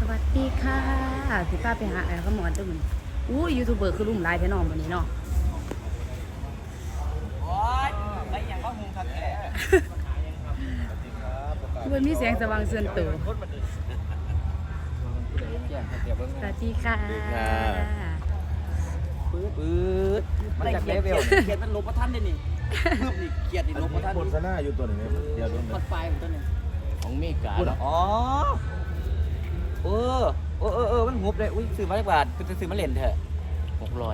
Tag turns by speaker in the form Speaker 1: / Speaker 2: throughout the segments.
Speaker 1: วัสดีค่ะพี่ป้าไปหาไอ้ขมอนตัวมันอู้ยูทูบเบอร์คือลุ่มลายแท้นอนวันนี้เนาะ
Speaker 2: โอ๊ยไอ้อย่างว่าหุงทักแก่
Speaker 1: มันมีเสียงสว่างเสื่อนตัวสวัสดีค่ะ
Speaker 2: ปื๊ดมันได้เขียดเขียดมันลบประทันได้นี่เพิ่มนี่เขียดนี่ลบประทัน
Speaker 3: โฆษณาอยู่ตัวหนึ่งเดี๋ยวโดน
Speaker 2: ปัดไฟมันตัวนึง
Speaker 4: ของเมกา
Speaker 2: อ๋อมันหุบเลยอุ้ยซื้อมาจากบาทเป็นซื้อมาเล่นเถอะ
Speaker 4: 600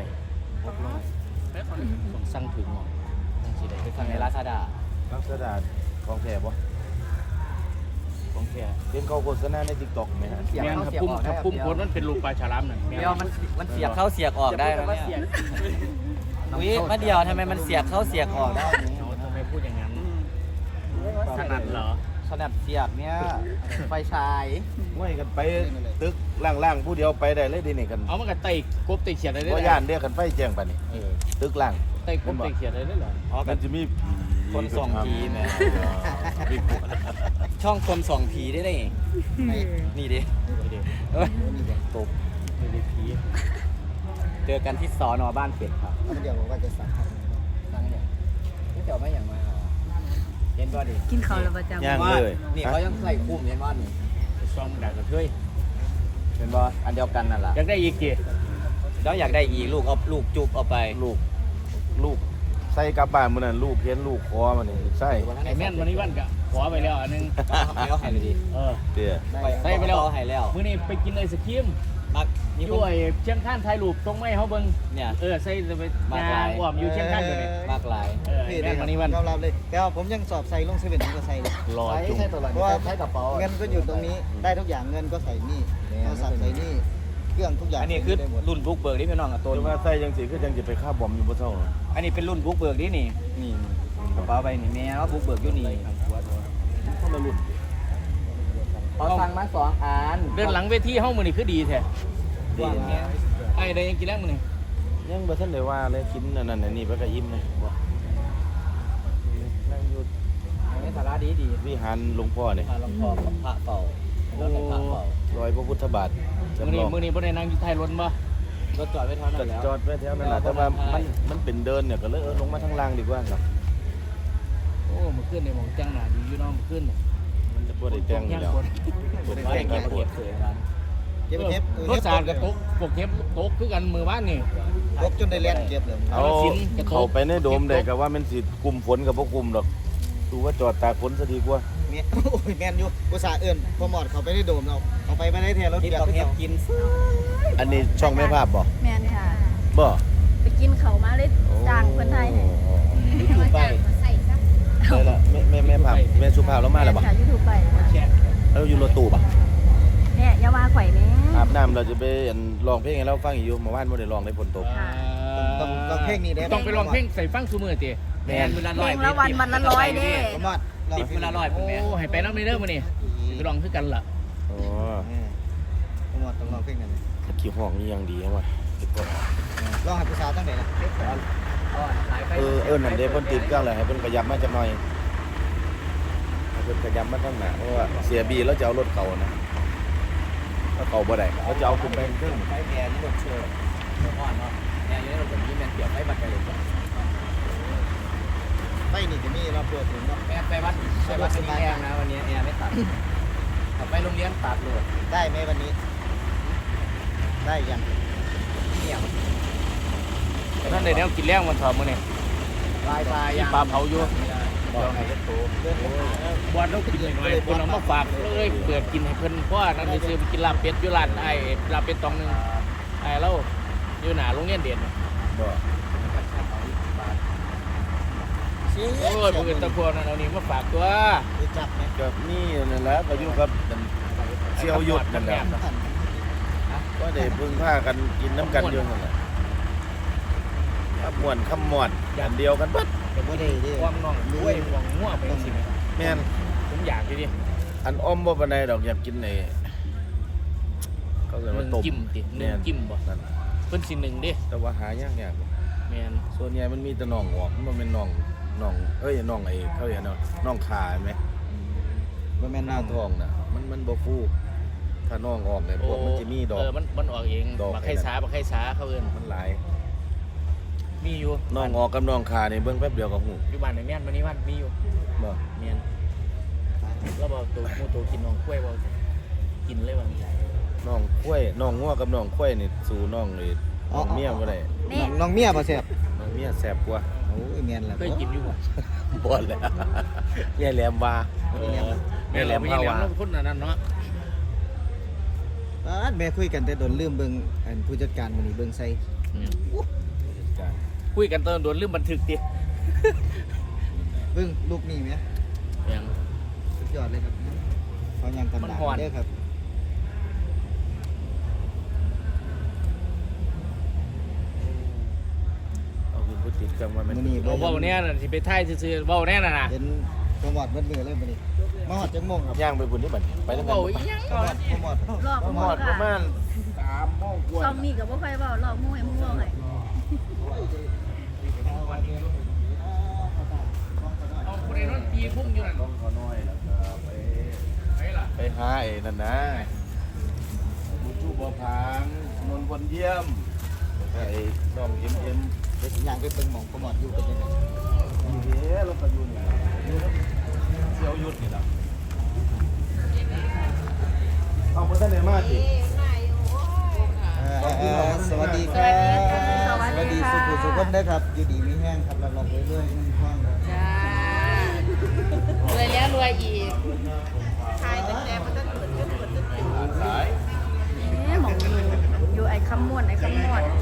Speaker 4: ต้องสั่งถึงหมอต้องสิได้
Speaker 2: ไปฟังในลาซาด้า
Speaker 3: ลักษณะของแท้บ่
Speaker 4: ของแท้
Speaker 3: เห็นเขาโฆษณาใน TikTok ไหมฮะ
Speaker 2: เสียบ
Speaker 4: แม่น
Speaker 2: เข้า
Speaker 4: ถ้า
Speaker 2: เสียบ
Speaker 4: ปุ่ม
Speaker 2: ออก
Speaker 4: ถ้าปุ่มโคตรมันเป็นรูปปลาฉลามนั่น
Speaker 2: เดียวมันเสียบเข้าเสียบออกได้แล้วเนี่ยอุ้ยมาเดียวทำไมมันเสียบเข้าเสียบออกได้
Speaker 4: เอาทำไมพูดอย่างนั้นถนัดเหรอ
Speaker 2: สนับเสียบเนี่ยไฟฉาย
Speaker 3: ไว้กันไปตึกล่างๆผู้เดียวไปได้เลยดินี่กัน
Speaker 4: เอามันก็ไต่กบไต่เขียดได้เลย
Speaker 3: บ่ย่านเรียกกันไฟแจ้งปานนี้
Speaker 4: เออ
Speaker 3: ตึกล่าง
Speaker 4: ไต่กบไต่เขียดได้เลยเหรอ
Speaker 2: อ๋อ
Speaker 3: มันจะมี
Speaker 2: คนส่องผีแม่
Speaker 3: ผี
Speaker 2: ช่องคนส่องผีได้ไงนี่ดิ
Speaker 4: ไม่ได้
Speaker 2: ตบ
Speaker 4: ไม่ได้ผี
Speaker 2: เจอกันที่สอนอบ้านเป็ดครับ
Speaker 5: เดี๋ยวผมก็จะสั่ง
Speaker 2: นั่งเนี่ยนี่เดี๋ยวไม่อย่างมาเย็นว่าดิ
Speaker 1: กินข้าวแล้วประจำ
Speaker 3: ย่างเลย
Speaker 2: นี่เขายังใส่คุ้มเย็นว่านี่
Speaker 4: ไปซ่อมดักกระเทย
Speaker 2: เป็นว่าอันเดียวกันนั่นแหละ
Speaker 4: อยากได้อีกกี่
Speaker 2: แล้วอยากได้อีกลูกเอาลูกจุบเอาไป
Speaker 3: ลูกใส่กลับบ้านมื้อนั้นลูกเห็นลูกคอมันนี่ใส่
Speaker 4: ไอ้แม่นวันนี้วันกะขอไปแล้วอันนึง
Speaker 2: เอาให้เลยดิ
Speaker 4: เออ
Speaker 3: เตี้ย
Speaker 4: ใส่ไปแล้ว
Speaker 2: เอาให้แล้ว
Speaker 4: มื้อนี้ไปกินไอศครีม
Speaker 2: มักนี่
Speaker 4: ด้วยเชียงคานถ่ายรูปตรงไม้เฮาเบิ่ง
Speaker 2: เนี่ย
Speaker 4: เออใส่ไป
Speaker 2: มาก
Speaker 4: งา
Speaker 2: หลาย
Speaker 4: อ้อมอยู่เชียงคานอยู่นี่
Speaker 2: มากหลาย
Speaker 4: เออไอ้แม่นวันนี้วัน
Speaker 5: ยอมรับเลยแต่ว่าผมยังสอบใส่ลงเซเว่นผมก็ใส่เลย
Speaker 4: รอจุ่ม
Speaker 5: เพราะว่าใช้กระเป๋าเงินก็อยู่ตรงนี้ได้ทุกอย่างเงินก็ใส่นี่โทรศัพท์ใส่นี่เครื่องทุกอย่าง
Speaker 2: อันนี้คือ
Speaker 5: ได้หมด
Speaker 2: รุ่นบุกเบิกที่พี่น้องกับตัว
Speaker 3: จะว่าใส่จังสิคือจังสิไปฆ่าบอมอยู่บ่เท่า
Speaker 2: อันนี้เป็นรุ่นบุกเบิกนี่นี่กระเป๋าใบนี่แม่ว่าบุกเบิกอยู่นี่
Speaker 3: คนละรุ่น
Speaker 2: เขาสั่งมา2 อัน
Speaker 4: เดินหลังเวทีเฮามื้อนี้คือดีแท้
Speaker 3: ดี
Speaker 2: เนี่ย
Speaker 4: ไอ้ได้ยังกินแล้วมื้อนี้
Speaker 3: ยังบ่ทันได้ว่าเลยกินอันนั้นอันนี้ไปก็อิ่มเลยบ่นั่งอยู่
Speaker 2: นี่สาระดีดี
Speaker 3: วิหารหลวงพ่อนี่
Speaker 2: พาหลวงพ่อกับพระเป่าแล้วในพระเป่าร
Speaker 3: อยพระพุทธบาท
Speaker 4: มื้อนี้บ่ได้นั่งอยู่ท้ายรถบ่
Speaker 2: รถจอดไว้เท่านั้นแล้ว
Speaker 3: จอดไว้แถวนั้นแหละแต่ว่ามันเป็นเดินเนี่ยก็เลยลงมาทางล่างดีกว่าครับ
Speaker 4: โอ้มื้อคืนนี่หมองจังหน้าดีอยู่เนาะมื้อคืนนี่
Speaker 3: มันจะบ่ได้แต่งอยู่แล้วบ่ได้
Speaker 2: ว่า
Speaker 3: แต่
Speaker 2: ได้
Speaker 3: ง
Speaker 2: เก็
Speaker 3: กั
Speaker 2: บบ เก็บเสยกัน
Speaker 5: เก็บเทป
Speaker 4: รถสารกระตกพวกเทปตกคือกันมื้อวานนี่
Speaker 5: ลบจนได้เล่นเก็บเลย
Speaker 3: เอาเข้าไปในโดมได้ก็ว่ามันสิกลุ่มฝนกับบ่กลุ่มดอกดูว่าจอดตากฝนซะดีกว่า
Speaker 5: เมียโอ้ยแมนอยู่อุตส่าห์เอิ้นพอหมอดเขาไปได้โดมเราเอาไปไม่ได้แทนรถ
Speaker 2: ที่
Speaker 5: เบีย
Speaker 2: ต้อง
Speaker 5: ร์
Speaker 2: เก็บกิน
Speaker 3: อันนี้ช่องแม่ภาพบ่
Speaker 1: แม่นค่ะ
Speaker 3: บ่
Speaker 1: ไปกินเขามาเลยจ้างเพื่อนไทยให้
Speaker 2: ยูทูบไป
Speaker 3: ได้ละแม่ภาพแม่สุภาพแล้วมาแล้วบ่
Speaker 1: ค่ะยูทูบไปค่ะ
Speaker 3: แล้วอยู่รถตู้บ่
Speaker 1: แม่อย่าว่าข่อยแม่
Speaker 3: อาบน้ำเราจะไปร้องเพลงให้เราฟังอีกอยู่เมื่อวานบ่ได้ร้องได้ฝนตก
Speaker 5: ต้องเพลงนี้ได้
Speaker 4: ต้องไปร้องเพลงใส่ฟังซุมื้อติ
Speaker 2: แม่นมือละ
Speaker 1: เพ
Speaker 2: ร้
Speaker 1: ล
Speaker 2: อย
Speaker 1: งละวันวันละร้อยเด้
Speaker 5: พอหมอดเรา
Speaker 2: ติดมือละร้อย
Speaker 4: โอ้
Speaker 2: เป็นแม่
Speaker 4: ให้ไปนำเด้อมื้อนี้ไปร้องคือกันล่ะ
Speaker 3: อ๋อ
Speaker 5: พอหมอดต้องร้องเพลงนั้น
Speaker 3: ขี้ห้องนี่ยังดีว่ะ
Speaker 5: ร้องให้ผู้สาวตั้งแต่ละ
Speaker 3: นั่นเด้เพิ่นติดกันเลยให้เพิ่นขยับมาจักหน่อยให้เพิ่นขยับมาทางหน้าเพราะว่าเสียบีแล้วจะเอารถเก่านะถ้าเก่าบ่ได้เขาจะเอาขึ้นไปเครื่อง
Speaker 2: ไฟแม่นี่รถเชื่ออ่อนเนาะแม่อยู่ในรถแบบนี้แม่เกี่ยวไฟบัตรไปเลย
Speaker 5: ไฟนี่จะมีเราเปิดถึงเนาะ
Speaker 2: แม่ไปวัดเป็นแอร์นะวันนี้แอร์ไม่ตัดไปโรงเรียนตัดเลย
Speaker 5: ได้ไหมวันนี้ ได้ยัง
Speaker 2: เนี่ย
Speaker 4: นั่นได้แนวกินแล้งวันเสาร์มื้อนี้
Speaker 2: ลาย
Speaker 4: มีปลาเผาอยู่บ่ให้เฮ็ดโตบ่เรากินหน่อยๆเพิ่นเอามาฝากเลยเปิดกินให้เพิ่นเพราะว่านั่นสิซื้อไปกินลาบเป็ดอยู่ร้านไอ้ลาบเป็ดตองนึงไอ้เราอยู่หน้าโรงเรียนเด่น
Speaker 3: บ่
Speaker 5: ชี้
Speaker 4: โอ้ยเพิ่นตะพวกนั้นเอานี่มาฝากตัว
Speaker 5: รู้จักไหม
Speaker 3: ก็นี่นั่นแหละก็อยู่กับเสี่ยวหยุดนั่นแหละก็ได้พึ่งพากันกินน้ำกันอยู่นั่นแหละม่วนคำม่วนอย่างเดียวกันเบิด
Speaker 5: แต่ไม่ได้ดิ
Speaker 4: ความน้องด้วยหวงงัวไปจังซี่แม่
Speaker 3: แม่น
Speaker 4: ผมอยากอยู่ดิ
Speaker 3: อันอ้อมบ่ปานใดดอกอยากกินไอ้เขาเรียกว่าต้ม
Speaker 4: จิ้มติ
Speaker 3: แม่น
Speaker 4: จิ้มบ่
Speaker 3: นั่น
Speaker 4: เพิ่นสิหนึ่งเด้
Speaker 3: แต่ว่าหายาก
Speaker 4: แม่น
Speaker 3: ส่วนใหญ่มันมีแต่น่องออกมันบ่แม่นน่องเอ้ยน่องไอ้เขาเรียกน่องขาเห็นไหม
Speaker 5: บ่แม่น
Speaker 3: ห
Speaker 5: น้
Speaker 3: น้าท้องน่ะมันบ่ฟูถ้าน้องออกเนี่ยพวกมันจะมีดอก
Speaker 4: มันออกเอง
Speaker 3: ดอก
Speaker 4: บักไข่สาเขาเอิ้น
Speaker 3: มันหลาย
Speaker 4: มีอยู่
Speaker 3: น้องออกกับน้องขาเนี่ยเบิ่งแป๊บเดียวก็หู
Speaker 4: อยู่บ้านในแม่นมันนี่วันมีอยู่
Speaker 3: บ่
Speaker 4: แม่นแล้วบ่ตัวหมูตัวกินน้องกล้วยบ่กินเลยว่า
Speaker 3: น้องกล้วยน้องงัวกับน้องกล้วยนี่สู่น้องเลยน้องเมียบ่ได้
Speaker 1: นี่
Speaker 5: น้องเมียบ่แซ่บ
Speaker 3: น้องเมียแซ่บกว่า
Speaker 5: โอ้ยแม่นแล้ว
Speaker 4: เคยกินอยู่บ่
Speaker 3: บ่แล้วเมียแหลมว่า
Speaker 4: แม่แหลมไม่แหลมคนนั้นเนาะ
Speaker 5: แม่คุยกันแต่โดนลืมเบิ่งอันผู้จัดการมื้อนี้เบิ่งใส่
Speaker 4: คุยกันตอนโดนลืมบันทึกดิ
Speaker 5: เบิ่งลูกนี่แหม
Speaker 4: ยัง
Speaker 5: สุดยอดเลยครับเขายังกัน
Speaker 4: มัน
Speaker 5: ดา
Speaker 4: ฮ้อน
Speaker 5: เด้อครับ
Speaker 3: เอาขึ้นผู้ติดกันว่ามัน
Speaker 5: มื้อนี้
Speaker 4: เว้าเนี่ยน่ะสิไปถ่ายซื่อๆเว้าแน่น่ะนะ
Speaker 5: เห็นโปรโมทเบิดมือเลยมื้อนี้มาฮอดจังโมงครับ
Speaker 3: ย่างไปบุญที่บัดไปแล้วกัน
Speaker 4: เว้าอีหยัง
Speaker 5: โปรโมท
Speaker 1: รอบ
Speaker 3: ห
Speaker 1: ห
Speaker 3: ม
Speaker 1: ม
Speaker 3: อ
Speaker 1: ด
Speaker 3: ดประมาณ
Speaker 1: ซองนี่ก็บ่ค่อยเว้ารอบหมู่ให้หมู่เว้าให้
Speaker 4: เอาคนไอ้นั่นตีพุ่งอยู่นั่น
Speaker 3: ขอน้อยแล้วก็ไป
Speaker 4: ไปล่ะ
Speaker 3: ไปหาไอ้นั่นนะบุญชูบ่อพางนนท์คนเยี่ยมแล้วก็ไอ้น้องเอ็ม
Speaker 5: เดี๋ยวสิย่างไปเบิ่งหม่องโปรโมทอยู่เป็นยังไง
Speaker 3: อยู่เด้แล้วก็อยู่นี่อยู่ครับเสี่ยวยุดนี่ล่ะเอาบ่ทันได้มาติ
Speaker 5: สวัสดีครับสวัสดีสุขุสุขคนเด้อครับอยู่ดีมีแห้งครับรับรองเรื่อยๆมันคล่องครับ
Speaker 6: จ้ารวยแล้วรวยอีกขายตั้งแต่มันตั้งเปิดจนเปิดจนเปิด
Speaker 3: สาย
Speaker 1: เอ๊ะหมองอยู่ไอ้คำม่วนหมอง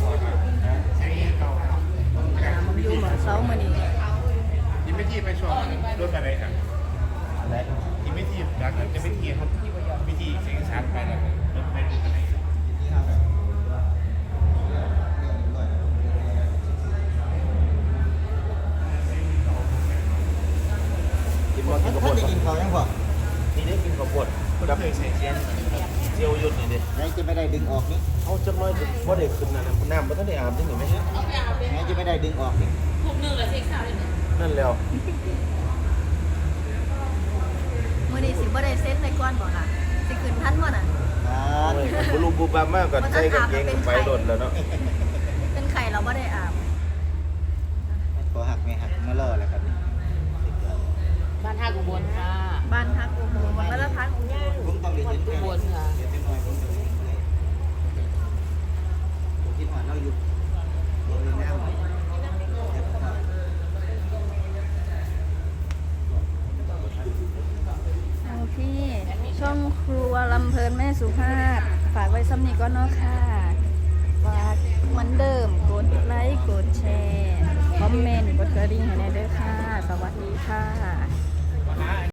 Speaker 1: อยู่เหมือนเซามื้อนี้
Speaker 7: ยิมไม่ทีไปช่วงรถไปไหนครับยิมไม่ทีจากนั้นจะไม่ทีครับวิธีเสียงชัดไปแล้วรถไปดูกันไหน
Speaker 3: กินบ่กิ
Speaker 5: ท่าน น
Speaker 3: ข้าวโพด
Speaker 5: ได้กินข้าวยังพอ
Speaker 3: นี่ได้กินข้าวโพดกับเสี่ยวยุดนี่ดิ
Speaker 5: ไหนจะไม่ได้ดึงออกนี่
Speaker 3: เอาจักหน่อยจะบ่ได้ขึ้นนะน้ำบ่ทันได้อาบจังนี่แม่
Speaker 5: ไหนจะไม่ได้ดึงออกนี่
Speaker 6: พวกนึงละเซ็กซ์ข่าวเลย
Speaker 3: นั่นแล้ว
Speaker 1: มื้อนี้สิบ่ได้เซ็ตในก่อนบ่ค่ะสิขึ้นทันบ่น่ะ
Speaker 5: ครับ
Speaker 3: โอ้ยบ่รู้บุบามากก็ใส่กางเกงไปโดดแล้วเนาะ
Speaker 1: เป็นไข่เราบ่ได้อาบ
Speaker 5: พอหักไม่หักมาล่อแล้วครับนี่
Speaker 6: บ้านท่ากุบลค่ะ
Speaker 1: บ้านพักอุโมงค์วัดละพักอุโมงค์
Speaker 5: ผมต้องเรียน
Speaker 6: กุบลค่ะ
Speaker 5: เดี๋ยวเป็นน้อยผมจะเรียนเลยผมคิดว่าเราอยู่โรงเรียนแนว
Speaker 1: เอาพี่ช่องครัวลำเพลินแม่สุภาพฝากไว้ซ้ำนี้ก็เนาะค่ะฝากเหมือนเดิมกดไลค์กดแชร์คอมเมนต์กดกระดิ่งให้แน่เด้อค่ะ สวัสดีค่ะ